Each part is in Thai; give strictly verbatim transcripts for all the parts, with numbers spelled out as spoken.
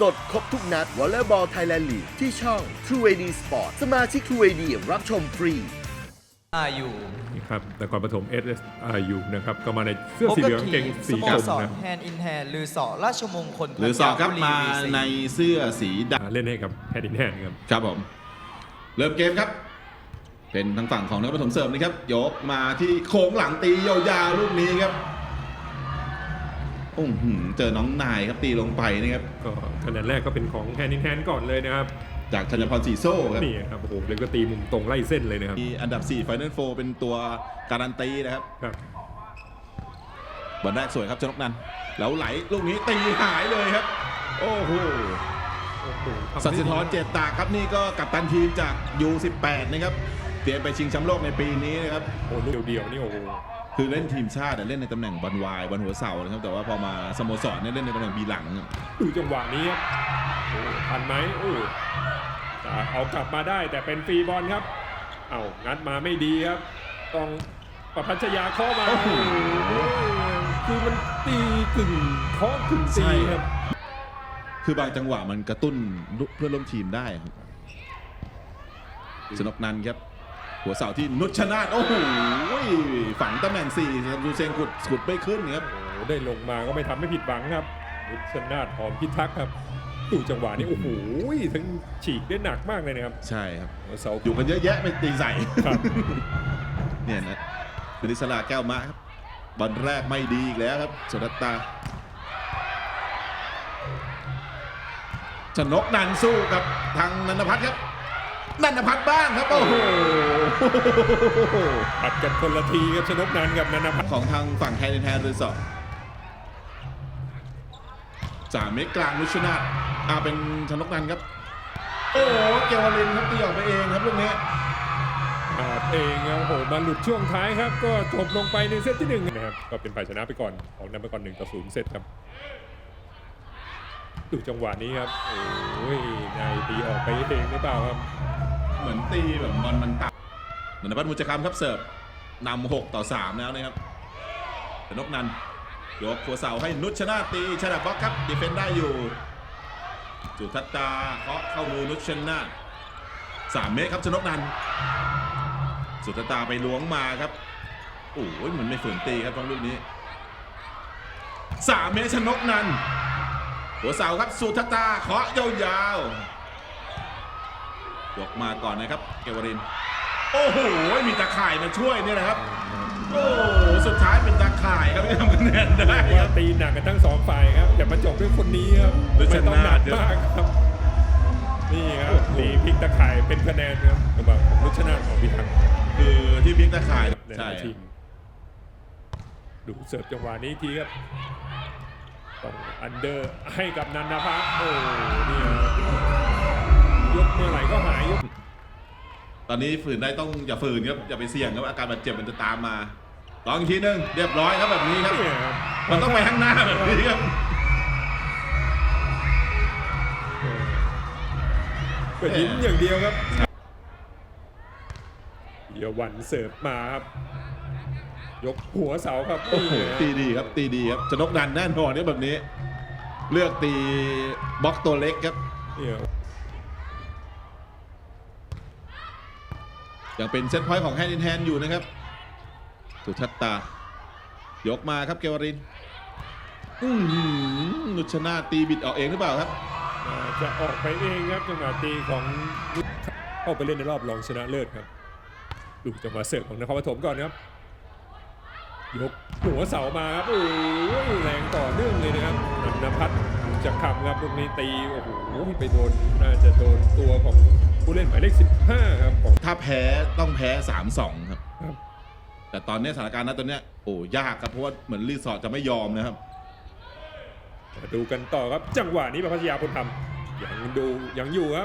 สดครบทุกนัดวอลเลย์บอลไทยแลนด์ลีกที่ช่อง ทรู เอ ดี Sport สมาชิก ทรู เอ ดี รับชมฟรีอาอยู่นี่ครับนครปฐม เอส เอส อาร์ ยู นะครับก็มาในเสื้อสีเหลืองเกงสีสกรโมมสรนะแฮนด์อินแฮนด์หรือสอราชมงคลหรือสอบครับมาในเสื้อสีดเล่นให้กับแฮดดินแฮนครับำครับผมเริ่มเกมครับ เป็นทางฝั่งของนครปฐมเสริมนะครับยกมาที่โค้งหลังตียาวๆลูกนี้ครับโอ้โหเจอน้องนายครับตีลงไปนะครับก็คะแนนแรกก็เป็นของแฮดดินแฮนก่อนเลยนะครับจากธัญพรสีโซ่ครับนี่ครับโอ้โหเลยก็ตีมุมตรงไล่เส้นเลยนะครับมีอันดับสี่ Final Four เป็นตัวการันตีนะครับครับบอลแรกสวยครับชนกนันท์แล้วไหลลูกนี้ตีหายเลยครับโอ้โหโอ้โหทำสัได้ตดีย์ธรเจตตากครับนี่ก็กัปตันทีมจาก ยู สิบแปด นะครับเตรียมไปชิงแชมป์โลกในปีนี้นะครับโอ้โหลูกเดียวๆนี่โอ้โหคือเล่นทีมชาติแต่เล่นในตำแหน่งบอลวายบอลหัวเสานะครับแต่ว่าพอมาสโมสรเนี่ยเล่นในตำแหน่งบีหลังดูจังหวะนี้ครับโอ้ทันไหมโอ้จะเอากลับมาได้แต่เป็นฟรีบอลครับเอางัดมาไม่ดีครับต้องประพัชยาเคาะมาโอ้โหคือมันตีกึ่งเคาะกึ่งตีครับคือบางจังหวะมันกระตุ้นเพื่อนร่วมทีมได้ครับชนกนันท์ครับหัวเสาที่นุชนาธโอ้โหฝังตำแหน่งสี่ดูเซงขุดขุดไม่ขึ้นครับโอ้โหได้ลงมาก็ไม่ทำไม่ผิดหวังครับนุชนาธหอมพิทักษ์ครับดูจังหวะนี้โอ้โหทั้งฉีกได้หนักมากเลยนะครับใช่ครับหัวเสาอยู่กันเยอะแยะไม่ตีใส่ครับเนี่ยนะคณิสลาแก้วมะครับบอลแรกไม่ดีอีกแล้วครับสุรัตตาชนกนันท์สู้กับทางนันทพัฒน์ครับนันทพัฒน์บ้างครับโอ้โหปัดกันคนละทีครับชนกนันท์กับนันทพัฒน์ของทางฝั่งแฮนด์แฮนด์รีสอร์ทจ่าเมกกลางนุชนาธอาเป็นชนกนันท์ครับโอ้โหเกวลินครับตีออกไปเองครับลูกนี้อาดเองครับโอ้โหมาหลุดช่วงท้ายครับ ก็จบลงไปในเซตที่หนึ่งนะครับก็เป็นฝ่ายชนะไปก่อนของนำไปก่อนหนึ่งต่อศูนย์เซตครับดูจังหวะนี้ครับโอ้ยนายตีออกไปเองหรือเปล่าครับเหมือนตีแบบบอลมันต่ำนันทพัฒน์มุจคำครับเสิร์ฟนำหกต่อสามแล้วนะครับชนกนันท์ยกหัวเสาให้นุชนาธตีชนะบล็อกครับดีเฟนได้อยู่จุทัตตาเคาะเข้ามือนุชนาธสามเมตรครับชนกนันท์สุทัตตาไปล้วงมาครับโอ้ยเหมือนไม่ฝืนตีครับตรงลูกนี้สามเมตรชนกนันท์หัวเสาครับสุทัตตาเคาะยาวๆยกมาก่อนนะครับเกวรินโอ้โหมีตาข่ายมาช่วยนี่แหละครับโอ้สุดท้ายเป็นตาข่ายครับที่ทำคะแนนได้คว่ารับตีหนักกันทั้งสองฝ่ายครับแต่มาจบด้วยคนนี้ครับนุชไม่ต้องหนันาธกมากครับนี่ครับตีพลิกตะข่ายเป็นคะแนนครับสำหรับนุชนาธของพิทักษ์คือที่พลิกตาข่ายในใช่ทีมดูเสิร์ฟจังหวะนี้อีกทีครับต้องอันเดอร์ให้กับนันทพัฒน์โอ้นี่ครับยกเมื่อไหร่ก็หายยกตอนนี้ฝืนได้ต้องอย่าฝืนครับอย่าไปเสี่ยงครับอาการบาดเจ็บมันจะตามมาลองอีกทีหนึงเรียบร้อยครับแบบนี้ครับเนี่ยครับมันต้องไปข้างหน้าแบบนี้ครับก็ยิ้มอย่างเดียวครับเดี๋ยววันเสิร์ฟมาครับยกหัวเสาครับโอ้โหนี่ตีดีครับตีดีครับชนกนันท์แน่นอนเนี่ยแบบนี้ เลือกตีบล็อกตัวเล็กครับเนี่ยยังเป็นเซตพอยต์ของแฮนด์อินแฮนด์อยู่นะครับสุทัตตายกมาครับเกวรินอื้อหือนุชนาธตีบิดออกเองหรือเปล่าครับน่าจะออกไปเองครับจังหวะตีของเข้าไปเล่นในรอบรองชนะเลิศครับดูจังหวะเสิร์ฟของนครปฐมก่อนครับยกหัวเสามาครับโอ้ยแรงต่อเนื่องเลยนะครับนันทพัฒน์จะขับครับลูกนี้ตีโอ้โหไปโดนน่าจะโดนตัวของผู้เล่นหมายเลขสิบห้าครับของถ้าแพ้ต้องแพ้ สามสอง ครับครับแต่ตอนนี้สถานการณ์ณตอนเนี้ยโอ้ยากครับเพราะว่าเหมือนรีสอร์ทจะไม่ยอมนะครับมาดูกันต่อครับจังหวะนี้ประพัชยาพลธรรมยังดูยังอยู่ครับ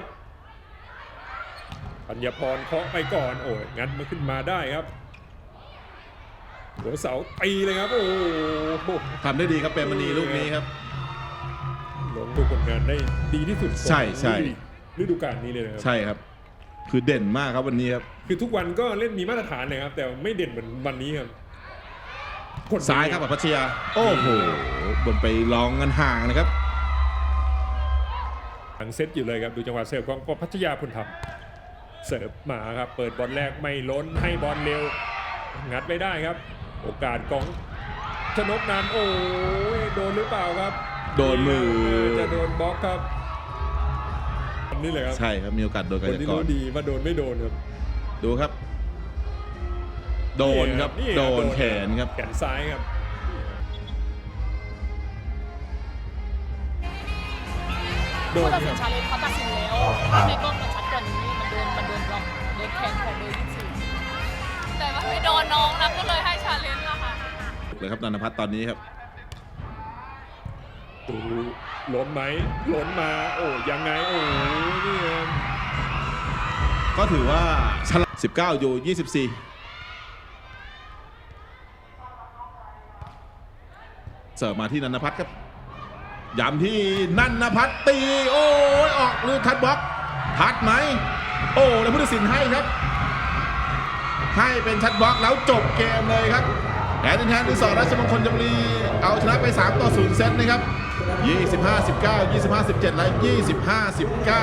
ปัญญาพรเคาะไปก่อนโอ้ยงัดมาขึ้นมาได้ครับหัวเสาตีเลยครับโอ้โหทำได้ดีครับเปรมณีลูกนี้ครับลงดูผลงานได้ดีที่สุดใช่ใช่ฤดูกาลนี้เลยนะครับใช่ครับ คือเด่นมากครับวันนี้ครับคือทุกวันก็เล่นมีมาตรฐานเลยครับแต่ไม่เด่นเหมือนวันนี้ครับผลซ้ายครับปัพัชยาโอ้โหบนไปลองกันห่างนะครับหลังเซตอยู่เลยครับดูจังหวะเสิร์ฟของพัทยาพลธรรมเสิร์ฟมาครับเปิดบอลแรกไม่ล้นให้บอลเร็วงัดไม่ได้ครับ โอกาสของชนกนันท์โอ้ยโดนหรือเปล่าครับโดนมือจะโดนบล็อกครับนี่เลยครับใช่ครับมีโอกาสโดนคกันนที่ก่อรู้นดีว่าโดนไม่โดนครับดูครับ โดนครับนี่โดนแขนครับแขนซ้ายครับ โดผู้นตัดคสิรันบชาเลนจ์เขาตัดสินแล้วภาพในกล้องมันชัดกว่านี้มันโดนมันโดนบล็อกโดนแขนของเบอร์ยี่สิบสี่แต่ว่าไม่โดนน้องนะก็เลยให้ชาเลนจ์อะค่ะเลยครับนันทพัฒน์ตอนนี้ครับดูล้นไหมล้นมาโอ้ยังไงโอ้นี่ครับก็ถือว่าฉลาดสิบเก้าอยู่ยี่สิบสี่เสิร์ฟมาที่นันทพัฒน์ครับย้ำที่นันทพัฒน์ตี โอ้ยออกลูกคัดบล็อกทัดไหมโอ้แล้วผู้ตัดสินให้ครับ ให้เป็นชัดบล็อกแล้วจบเกมเลยครับแอนดินแทนที่สองราชมงคลจำรีเอาชนะไปสามต่อศูนย์เซตนะครับยี่สิบห้า สิบเก้า ยี่สิบห้า สิบเจ็ด และยี่สิบห้า สิบเก้า